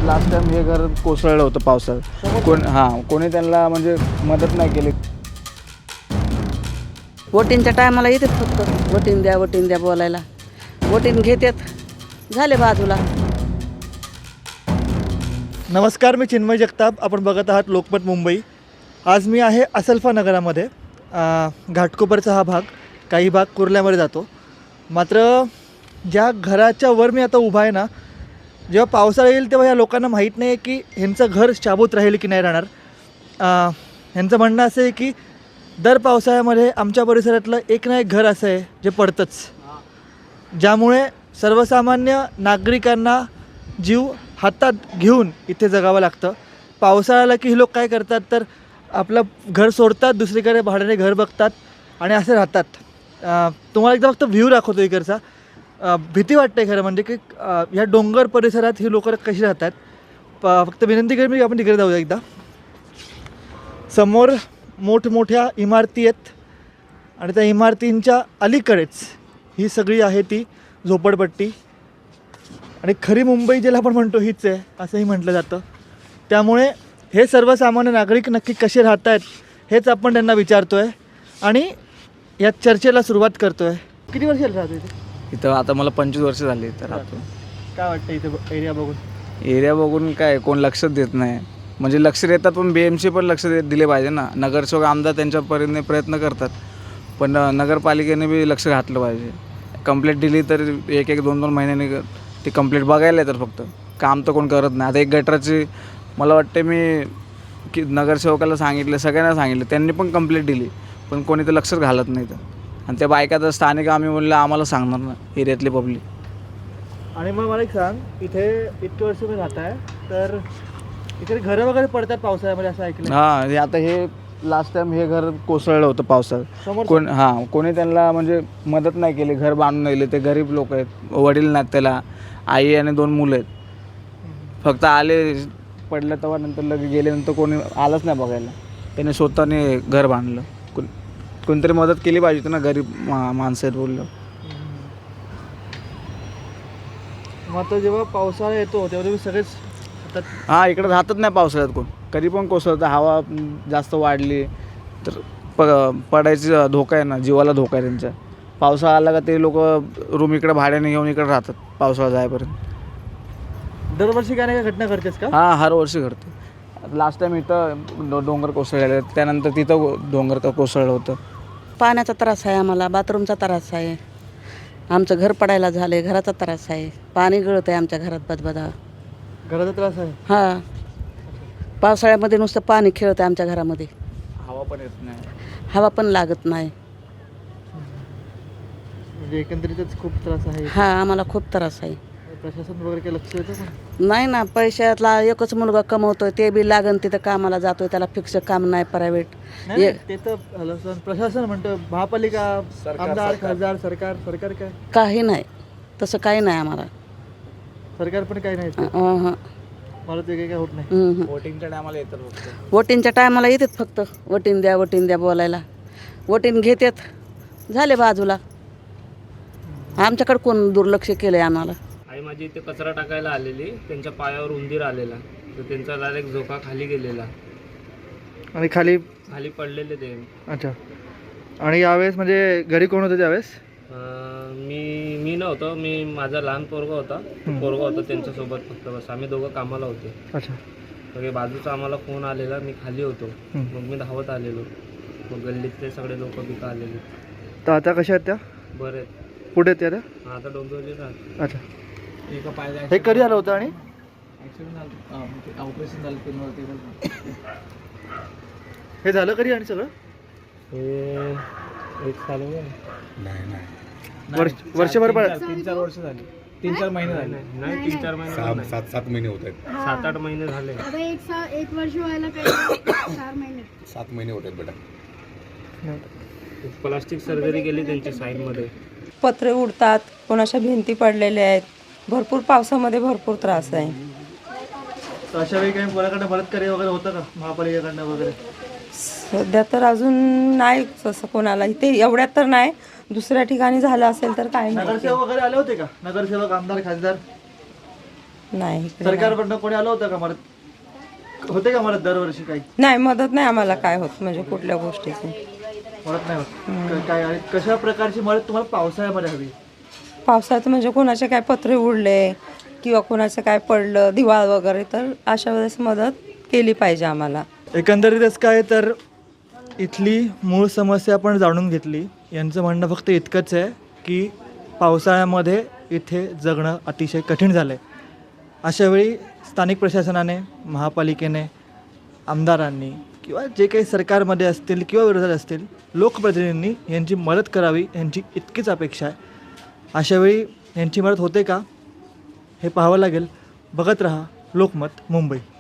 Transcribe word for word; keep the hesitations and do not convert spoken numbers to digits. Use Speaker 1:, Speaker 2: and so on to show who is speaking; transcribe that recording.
Speaker 1: Last time हे घर कोसळलं होतं पावसाळ्यात. कोण हां कोणी त्यांना म्हणजे मदत नाही केली.
Speaker 2: वोटिंगच्या टायमाला येतात फक्त वोटिंग द्या वोटिंग द्या बोलायला. वोटिंग घेतात झाले बाजूला.
Speaker 3: नमस्कार, मी चिन्मय जगताप. आपण बघत आहात लोकमत मुंबई. आज मी आहे असलफा नगरामध्ये. घाटकोपरचा हा भाग, काही भाग कुर्ल्यामध्ये जातो. मात्र ज्या घराच्या वर मी आता उभा आहे ना, जेव्हा पावसाळा येईल तेव्हा ह्या लोकांना माहीत नाही आहे की ह्यांचं घर शाबूत राहील की नाही राहणार. ह्यांचं म्हणणं असं आहे की दर पावसाळ्यामध्ये आमच्या परिसरातलं एक ना एक घर असं आहे जे पडतंच, ज्यामुळे सर्वसामान्य नागरिकांना जीव हातात घेऊन इथे जगावं लागतं. पावसाळा आला की ही लोक काय करतात तर आपलं घर सोडतात, दुसरीकडे भाड्याने घर बघतात आणि असे राहतात. तुम्हाला एकदा फक्त व्ह्यू दाखवतो इकडचा. भीती वाटते खरं म्हणजे की ह्या डोंगर परिसरात ही लोकं कशी राहतात. प फक्त विनंती करेन मी आपण तिकडे जाऊया एकदा. समोर मोठमोठ्या इमारती आहेत आणि त्या इमारतींच्या अलीकडेच ही सगळी आहे ती झोपडपट्टी. आणि खरी मुंबई ज्याला आपण म्हणतो हीच आहे असंही म्हटलं जातं. त्यामुळे हे सर्वसामान्य नागरिक नक्की कसे राहत आहेत हेच आपण त्यांना विचारतो आहे आणि या चर्चेला सुरुवात करतो आहे. किती वर्ष राहतो इथे?
Speaker 1: इथं आता मला पंचवीस वर्ष झाली तर राहतो.
Speaker 3: काय वाटतं इथे एरिया बघून?
Speaker 1: एरिया बघून काय कोण लक्ष देत नाही. म्हणजे लक्ष देतात पण बी एम सी पण लक्ष दे दिले पाहिजे ना. नगरसेवक आमदार त्यांच्या परीने प्रयत्न करतात, पण नगरपालिकेने बी लक्ष घातलं पाहिजे. कंप्लेंट दिली तर एक एक दोन दोन महिन्यांनी ती कंप्लेंट बघायला येतात, फक्त काम तर कोण करत नाही. आता एक गटराची मला वाटते मी की नगरसेवकाला सांगितलं, सगळ्यांना सांगितलं, त्यांनी पण कंप्लेंट दिली, पण कोणी तर लक्षच घालत नाही. तर आणि त्या बायका तर स्थानिक आम्ही म्हणलं आम्हाला सांगणार ना, एरियातली पब्लिक.
Speaker 3: आणि मग मला एक सांग, इथे इतके वर्ष मी राहत आहे तर इकडे घरं वगैरे पडतात पावसाळ्यामध्ये असं ऐकलं?
Speaker 1: हां, हे आता हे लास्ट टाइम हे घर कोसळलं होतं पावसाळ्यात. कोण हां कोणी त्यांना म्हणजे मदत नाही केली, घर बांधून नेले. ते गरीब लोक आहेत, वडील नाहीत त्याला, आई आणि दोन मुलं आहेत. फक्त आले पडलं तेव्हा, नंतर लगे गेल्यानंतर कोणी आलंच नाही बघायला. त्याने स्वतःने घर बांधलं. कोण कोणतरी मदत केली पाहिजे होती ना, गरीब मा माणसं आहेत बोललं.
Speaker 3: मग आता जेव्हा पावसाळा येतो तेव्हा तुम्ही सगळेच
Speaker 1: हां इकडे राहतच नाही पावसाळ्यात कोण. कधी पण कोसळतं, हवा जास्त वाढली तर प पडायची धोका आहे ना, जीवाला धोका आहे त्यांच्या. पावसाळा आला का ते लोक रूम इकडे भाड्याने घेऊन इकडे राहतात पावसाळा जायपर्यंत.
Speaker 3: दरवर्षी काय नाही काय घटना घडतेच का?
Speaker 1: हां हर वर्षी घडते. लास्ट टाइम इथं डो डोंगर कोसळलेलं, त्यानंतर तिथं डोंगर का कोसळलं होतं.
Speaker 2: पाण्याचा त्रास आहे आम्हाला, बाथरूमचा त्रास आहे, आमचं घर पडायला झालं आहे, घराचा त्रास आहे, पाणी गळतं आहे आमच्या घरात बदबदा.
Speaker 3: घराचा त्रास आहे?
Speaker 2: हां, पावसाळ्यामध्ये नुसतं पाणी खेळतं आहे आमच्या घरामध्ये.
Speaker 1: हवा पण येत नाही,
Speaker 2: हवा पण लागत नाही.
Speaker 3: म्हणजे एकंदरीतच खूप त्रास आहे.
Speaker 2: हां, आम्हाला खूप त्रास आहे.
Speaker 3: प्रशासन वगैरे काही लक्ष देतं का?
Speaker 2: नाही ना, पैशातला एकच मुलगा कमवतोय, ते बी लागन तिथं कामाला जातोय, त्याला फिक्स काम नाही प्रायव्हेट.
Speaker 3: नाही, ते तर प्रशासन प्रशासन म्हणतं, महापालिका, आमदार, खासदार, सरकार सरकार काय
Speaker 2: काही नाही, तसं काही नाही आम्हाला.
Speaker 3: सरकार पण काही नाही.
Speaker 2: अं, हं.
Speaker 3: मला ते काही काय होत नाही.
Speaker 2: हं, हं.
Speaker 1: वोटिंगच्या टायमाला येतात फक्त.
Speaker 2: वोटिंगच्या टायमाला येतात फक्त वोटिंग द्या वोटिंग द्या बोलायला. वोटिंग घेतात झाले बाजूला. आमच्याकडे कोण दुर्लक्ष केलं आहे आम्हाला.
Speaker 4: आई माझी इथे कचरा टाकायला आलेली, त्यांच्या पायावर उंदीर आलेला, तर त्यांचा डायरेक्ट झोका खाली गेलेला,
Speaker 3: आणि खाली
Speaker 4: खाली पडलेले ते.
Speaker 3: अच्छा. आणि यावेळेस म्हणजे घरी कोण होतं त्यावेळेस?
Speaker 4: अं, मी मी नव्हतो, मी माझा लहान पोरगा होता, पोरगा होता त्यांच्यासोबत फक्त, बस आम्ही दोघं कामाला होते.
Speaker 3: अच्छा.
Speaker 4: सगळे बाजूचा आम्हाला फोन आलेला, मी खाली होतो, मग मी धावत आलेलो. मग गल्लीतले सगळे लोक बिका आलेले.
Speaker 3: तर आता कशा आहेत त्या?
Speaker 4: बरे
Speaker 3: कुठे आहेत त्या आता?
Speaker 4: आता डोंबिवली राहत.
Speaker 3: अच्छा.
Speaker 1: एका पायाला
Speaker 3: हे कधी आलं होतं आणि
Speaker 1: ॲक्सिडेंट झालं, ऑपरेशन झालं ते.
Speaker 3: हे झालं कधी आणि सगळं?
Speaker 4: हे एक चालू आहे.
Speaker 3: वर्ष वर्षभर पण
Speaker 1: तीन चार वर्ष झाली, तीन चार महिने झाले.
Speaker 4: नाही, तीन चार महिने नाही.
Speaker 5: सात सात महिने होत आहेत.
Speaker 4: सात आठ महिने झाले.
Speaker 6: आता एक सा एक वर्ष व्हायला काही चार महिने.
Speaker 5: सात महिने होत आहेत बेटा.
Speaker 4: प्लास्टिक सर्जरी केली त्यांची साईडमध्ये.
Speaker 7: पत्रे उडतात, कोणाच्या भिंती पडलेल्या आहेत, भरपूर पावसामध्ये भरपूर त्रास आहे.
Speaker 3: तर अशा वेळी काही कोणाकडनं मदतकार्य वगैरे होतं का महापालिकेकडनं वगैरे?
Speaker 7: सध्या तर अजून नाही तसं कोणाला, इथे एवढ्यात तर नाही, दुसऱ्या ठिकाणी झालं असेल तर काय नाही.
Speaker 3: नगरसेवक वगैरे आले होते का? नगरसेवक, आमदार, खासदार?
Speaker 7: नाही इकडे नाही.
Speaker 3: सरकारकडनं कोणी आलं होतं का मदत होते का मदत दरवर्षी काही
Speaker 7: नाही मदत नाही आम्हाला काय होत म्हणजे कुठल्या गोष्टीची.
Speaker 3: मदत नाही होत क- काय आणि कशा प्रकारची मदत तुम्हाला पावसाळ्यामध्ये हवी?
Speaker 7: पावसाळ्यात म्हणजे कोणाचे काय पत्रे उडले किंवा कोणाचं काय पडलं दिवाळ वगैरे तर अशा वेळेस मदत केली पाहिजे आम्हाला.
Speaker 3: एकंदरीतच काय तर इथली मूळ समस्या आपण जाणून घेतली. यांचं म्हणणं फक्त इतकंच आहे की पावसाळ्यामध्ये इथे जगणं अतिशय कठीण झालं आहे. अशावेळी स्थानिक प्रशासनाने, महापालिकेने, आमदारांनी किंवा जे काही सरकारमध्ये असतील किंवा विरोधात असतील लोकप्रतिनिधींनी यांची मदत करावी यांची इतकीच अपेक्षा आहे. अशावेळी यांची मदत होते का हे पाहावं लागेल. बघत रहा लोकमत मुंबई.